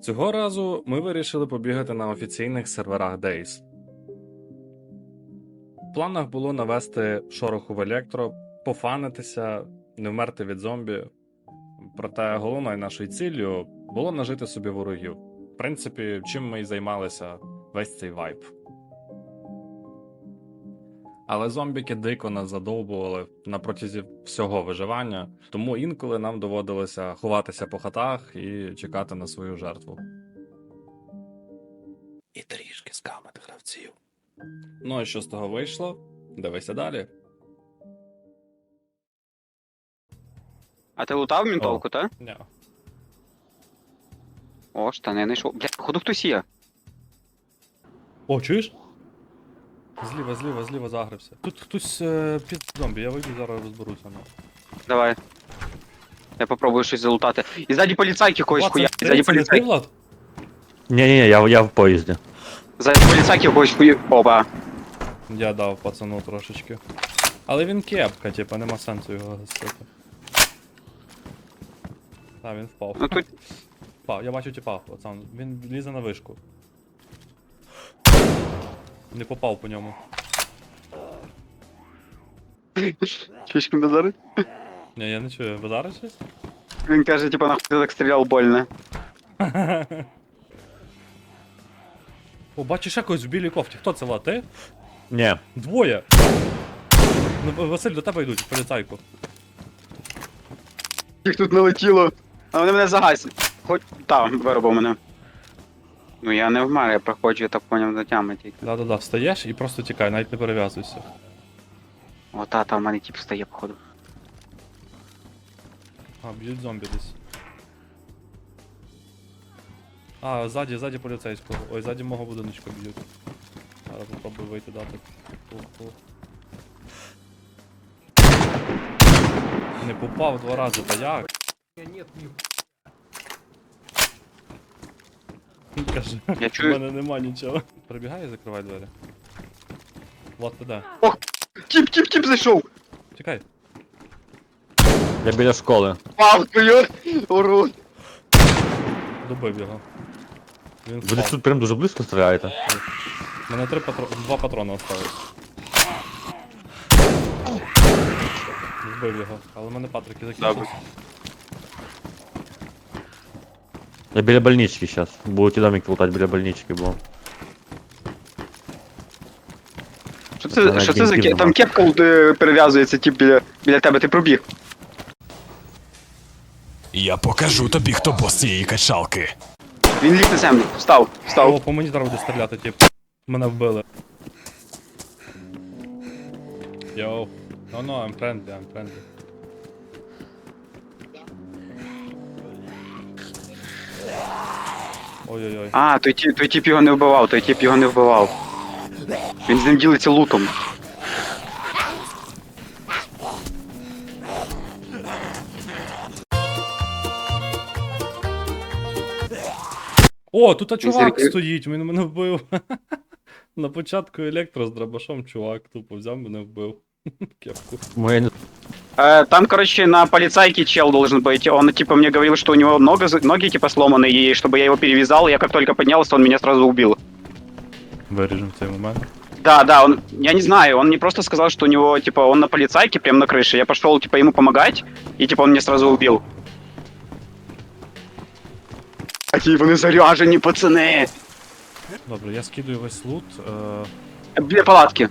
Цього разу ми вирішили побігати на офіційних серверах DayZ. В планах було навести шороху в електро, пофанитися, не вмерти від зомбі. Проте головною нашою ціллю було нажити собі ворогів. В принципі, чим ми і займалися весь цей вайб. Але зомбіки дико нас задовбували на протязі всього виживання, тому інколи нам доводилося ховатися по хатах і чекати на свою жертву. І трішки скамити гравців. Ну і що з того вийшло? Дивися далі. А ти лутав ментовку, та? Ня. О, штани не йшов. Блядь, походу хтось є. О, чуєш? Зліва загрився. Тут хтось під зомбі, я вийду, зараз розберуся. Давай. Я попробую щось залутати. І ззаді поліцайки когось хуя. Це Ззаді не ти, поліцайки. Влад? Не-не-не, я в поезде. Ззаді поліцайки когось хуя. Опа. Я дав пацану трошечки. Але він кепка, типа, нема сенсу його гасити. А, він впав. Ну тут. Впав, я бачу типа, пацан. Він лізе на вишку. Не попав по ньому. Чуєш базари? Ні, я не чую. Базариш щось? Він каже, типа, нахуй ти так стріляв больно. О, бачиш якось в білій кофті. Хто це, Влад? Ти? Не. Двоє! Ну, Василь, до тебе йдуть, поліцайку. Їх тут налетіло. А вони мене загасять. Хоч. Та, виробив мене. Ну я не вмер, я проходжу, я так поняв до тями тільки. Да-да-да, встаєш і просто тікай, навіть не перев'язуйся. О, та, в мене тип стає, походу. А, б'ють зомбі десь. А, ззаді поліцейського. Ой, ззаді мого будиночка б'ють. Зараз попробую вийти дати. Пух. Не попав два рази, та як? Каже, Я в чую. мене нема нічого. Прибігай і закривай двері. Влад, ти де? Тіп зайшов! Чекай. Я біля школи. Палкою! Урод! Добив його. Він Ви десь впав. тут прям дуже близько стріляєте. У мене два патрони осталось. Вбив його, але в мене патрики закінчились. Я біля больнички зараз. Будете домик лутати біля больнички, бо... Що це за кепка? Там кепка перев'язується, тип біля тебе, ти пробіг. Я покажу тобі, хто бос цієї качалки. Він ліг на землю. Встав. О, по мені зараз буде стріляти, тип. Мене вбили. Йоу. No, I'm friendly. Ой-ой-ой. А, той тип його не вбивав, Він з ним ділиться лутом. О, тут чувак Він стоїть, він мене вбив. На початку електро з дробашом чувак тупо взяв мене вбив. Кепку. Моя не... Там, короче, на полицайке чел должен быть. Он, типа, мне говорил, что у него ноги, типа, сломаны, и чтобы я его перевязал. Я как только поднялся, он меня сразу убил. Виріжемо цей момент. Да, я не знаю, он мне просто сказал, что у него, типа, он на полицайке, прям на крыше. Я пошел, типа, ему помогать, и, типа, он меня сразу убил. Какие вони заряжені, пацани! Добре, я скидую весь лут. Біля палатки.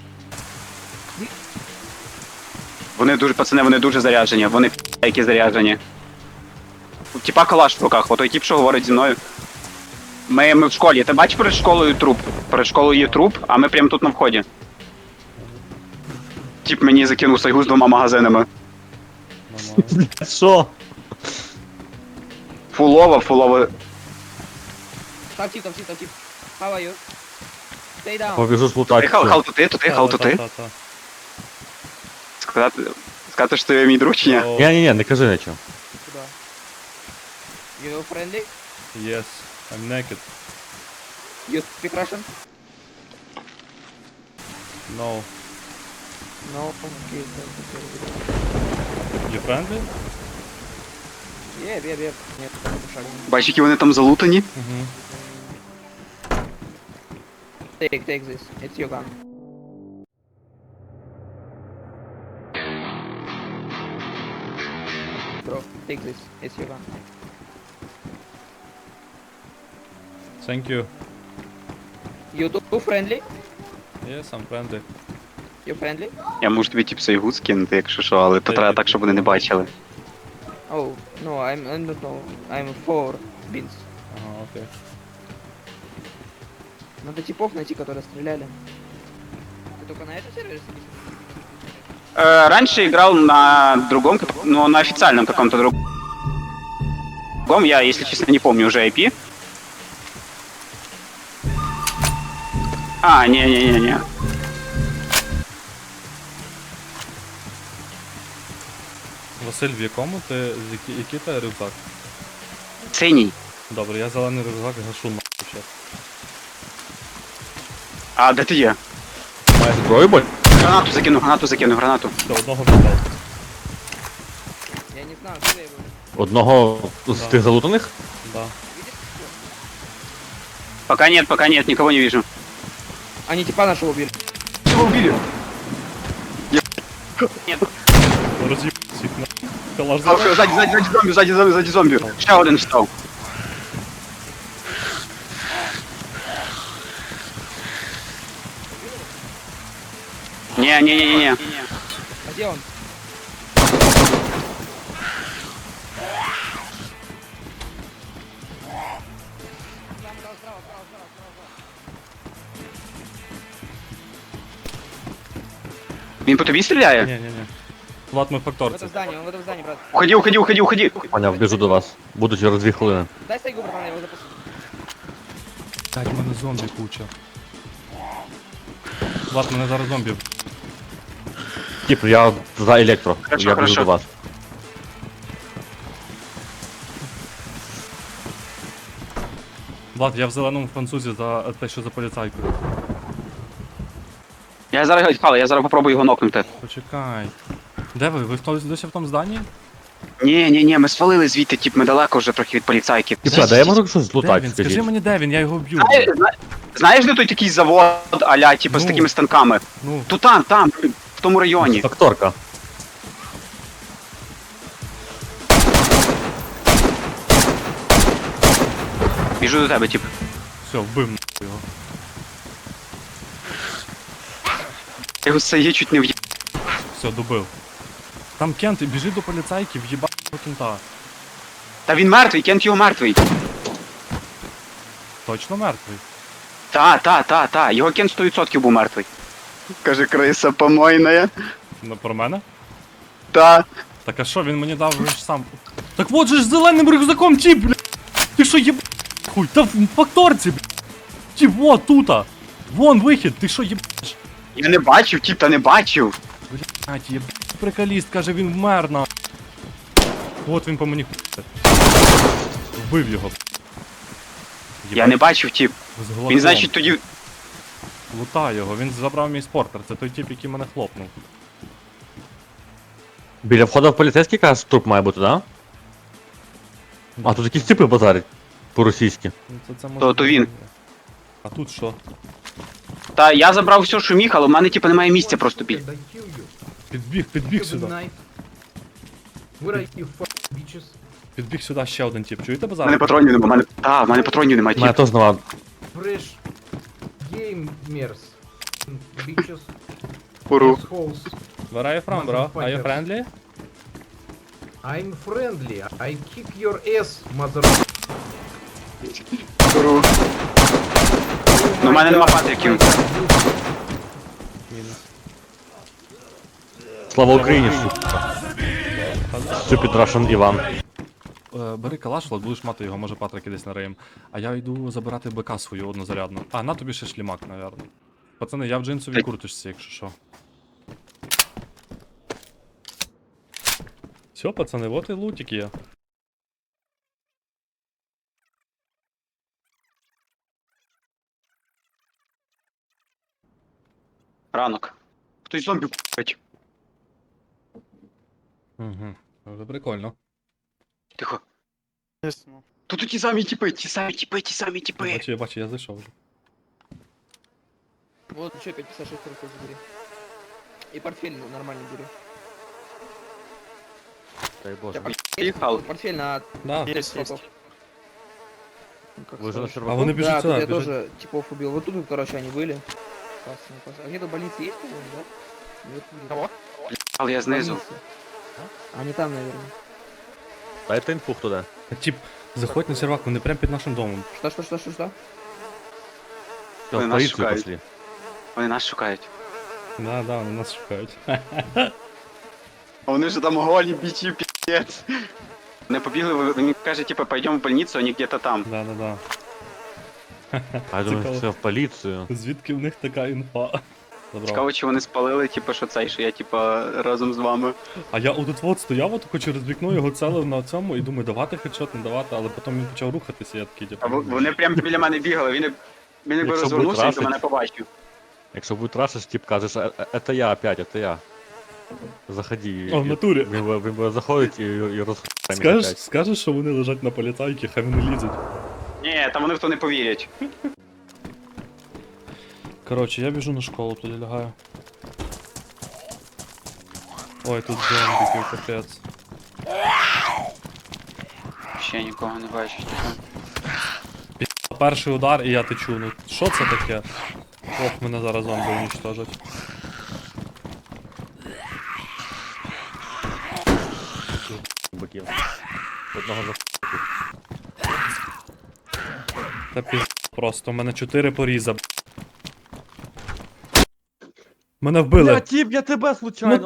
Вони дуже заряджені, вони які заряджені. Типа калаш в руках, отой тип, що говорить зі мною. Ми в школі, ти бачиш перед школою труп? Перед школою є труп, а ми прямо тут на вході. Тип мені закинув сайгу з 2 магазинами. Нормально. Що? Фулова. Top tip. How are you? Stay down. Побіжу ж лутати. Хал тут ти. Та-та-та. Сказати, що ти мій друг чи ні? О, Ні, не кажи нічого. Куда? You friendly? Yes, I'm naked. You speak Russian? No. No. Okay. You friendly? Бей. Нет, такого шага. Бачиш, які вони там залутані? Угу. Take this. It's your gun. Bro, take this. It's your gun. Thank you. You too friendly? Yes, I'm friendly. You friendly? Я можу тобі тіп сайгут скинути, якщо що, але то треба так, щоб вони не бачили. Oh, no, I don't know. I'm for beans. Ага, окей. Надо типов найти, которые стреляли. Ты только на этом сервере сидишь? Раньше играл на другом, ну, на официальном каком-то другом. Я, если честно, не помню уже IP. А, не. Василь, в якому ти. Який ти рюкзак? Синій. Добре, я зелений рюкзак гашу нахуй щас. А, де ти є? Маєш зброю, боль? Гранату закину, гранату. До одного віддав. Я не знаю, где я его. Одного з Да. тих залутаних? Да. Пока нет, никого не вижу. Они типа нашего убили. Его убили. Нет, Роз'їб всіх на. Калаш сзади зомби. Ще один встав. Не. А где он? Він по тобі стріляє? Ні. Влад, ми в В факторці. этом здании, он в этом здании, брат. Уходи. Поняв, біжу до вас. Буду через 2 хвилини. Дай сайгу, братан, я его запущу. Так, в мене зомбі куча. Влад, мене зараз зомбі. Тіп, я за електро. Хорошо, Я біжу хорошо. до вас. Влад, я в зеленому французі за те, що за поліцайкою. Я зараз попробую його нокнути. Почекай. Де ви? Ви досі в тому зданні? Ні, ми свалили звідти, тип, ми далеко вже трохи від поліцайків. Тіпа, де я можу щось Де злутати, він? Скажи скажіть? мені, де він, я його вб'ю. Знаєш, де той такий завод, аля, типу, з Ну. такими станками? Ну, То там, в тому районі. Факторка. Біжу до тебе, тип. все, вбив нахуй його. Я його це є чуть не в'їб. Все, добив. Там Кент, біжи до поліцайки, в'їбав кента. Та він мертвий, Кент його мертвий. Точно мертвий. Та. Його Кент 100% був мертвий. Каже, криса помойна. Ну, про мене? Та. Так а що, він мені дав же ж сам. Так вот же ж зеленим рюкзаком тіп, бля! Ти що єб... Хуй, та в факторці, бля! Тіп, вот, тута! Вон вихід, ти що єбаш? Я не бачив, тип, та не бачив. Блять, єб... Приколіст, каже, він вмер на. От він по мені хуй. Вбив його. Я не бачив, тип. З глазом. Він, значить, тоді. Лута його, він забрав мій спортер, це той тип, який мене хлопнув. Біля входу в поліцейський, кажеш, труп має бути, да? А тут якісь типи базарять. По-російськи. Ну, це може То він. бути. А тут що? Та я забрав все, що міг, але в мене, типу, немає місця просто під. Підбіг сюди. Where are you, bitches? Підбіг сюди ще один тип. Чуєте В мене базар? патронів немає. В мене патронів немає, Мене тип. теж нема. Fresh gamers. Bitches. Уру. Assholes. Where are you from, bro? Are you friendly? I'm friendly. I kick your ass, mother. Уру. Ну, в мене нема патриків. Мінус. Слава Україні, Stupid Russian Іван. Бери калаш, Влад, будеш мати його, може патрики десь нариєм. А я йду забирати БК свою однозарядну. А, на тобі ще шлімак, навірно. Пацани, я в джинсовій курточці, якщо що. Все, пацани, вот і лутик є. Ранок. Хтось зомбі купить. Угу. Це прикольно. Тихо. Тут ті самі тіпи, ті самі тіпи. Я бачу, я зайшов вже. Вот еще 556 рублей забери. И портфель нормальный бери. Дай Боже. Поїхав. Портфель на Да. 5 слотов. Ну, как Ви вже на скажешь. А серваку? вони біжуть Да, тут сюди, я біжуть. тоже типов убил. Вот тут, короче, они были. Классно, классно. А где-то больница есть, по-моему, да? Наверху где-то. Кого? Але я знизу. Больница. Они там, наверное. Дайте інфу, хто де. Тіп, заходь на сервак, вони прямо під нашим домом. Что? Все, Вони в нас поліцію шукають. пішли. Вони нас шукають. Да, вони нас шукають. А вони ж там голі, бичі, пі***ць. Вони побігли, він каже, типу, пойдем в больницу, вони где-то там. Да. А я думаю, Цікаво. все в поліцію. Звідки в них така інфа? Добре. Цікаво, чи вони спалили, типу, що цей, що я, типу, разом з вами. А я отут стояв, отако через вікно його целив на цьому і думаю, давати хедшот, не давати, але потім він почав рухатися, я такий, А типу. вони прямо біля мене бігали, він якби Якщо розвернувся, буде він то мене побачив. Якщо буде рашиш, тип кажеш, это я опять, это я. Заходи. О, в натурі. Він буде заходить і розхує. Скажеш, що вони лежать на поліцайки, хай вони лізуть. Ні, там вони в то не повірять. Коротше, я біжу на школу, тоді лягаю. Ой, тут зомбіки, капець. Ще нікого не бачу. Перший удар і я течу, ну що це таке? Ох, мене зараз зомби уничтожать. Биків. Одного за Та піз... Просто, у мене 4 поріза. Мене вбили. Бля, тип, я тебе случайно.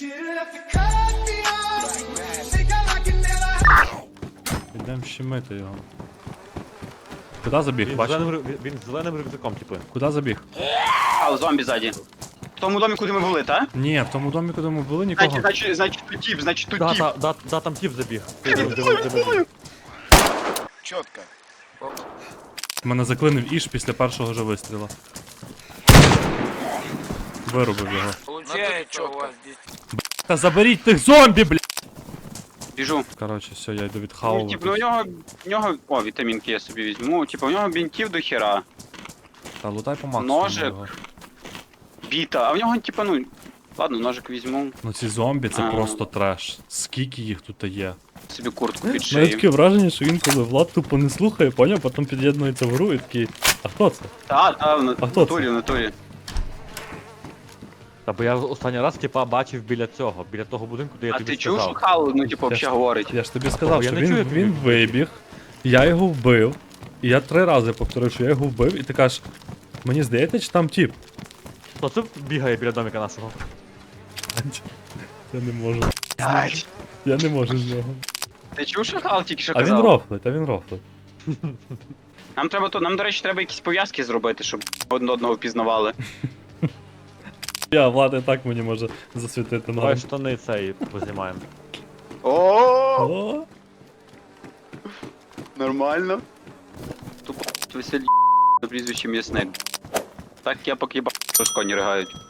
Ідем щемити його. Куди забіг? Він Бачиш? він з зеленим рюкзаком, типу. Куди забіг? А, зомбі ззаді. В тому домі, куди ми були, та? Ні, в тому домі, куди ми були, нікого. Значить тут тіп. Да, там тип забіг. Чітко. Мене заклинив Іш після першого же вистріла. Вирубив його. Получается у вас здесь. Та заберіть тих зомбі, бля! Біжу. Коротше, все, я йду Ну, відхавувати. типу, ну у нього... О, вітамінки я собі візьму. Типу, у нього бінтів до хера. Та лутай по максимуму Ножик. його. Біта. А в нього, типу, ну... Ладно, ножик візьму. Ну ці зомбі це А. просто треш. Скільки їх тут є? Собі куртку під Мене шию. таке враження, що він коли Влад тупо не слухає, поняв, потім під'єднується в гру і такий, а хто це? Та, А в хто натурі, в натурі. Та бо я останній раз, типа, бачив біля цього, біля того будинку, де я А тобі ти чув, що сказав. Хал, ну, типу, Я ж- взагалі говорить? Я ж тобі сказав, Я що не чую, він як ти вибіг, я його вбив, і я 3 рази повторив, що я його вбив, і ти кажеш, мені здається, чи там тіп? Хто це бігає біля домика нашого? Я не можу. Ай, Я не можу з нього. ти чув, що Хал тільки що А він казав? рофлить. Нам, до речі, треба якісь пов'язки зробити, щоб одне одного впізнавали. Я, Влад і так мені може засвітити Давай ноги. штани цей познімаємо. О, О, нормально. Тупо веселі за прізвище м'ясник. Так я поки бачу, що коні ригають.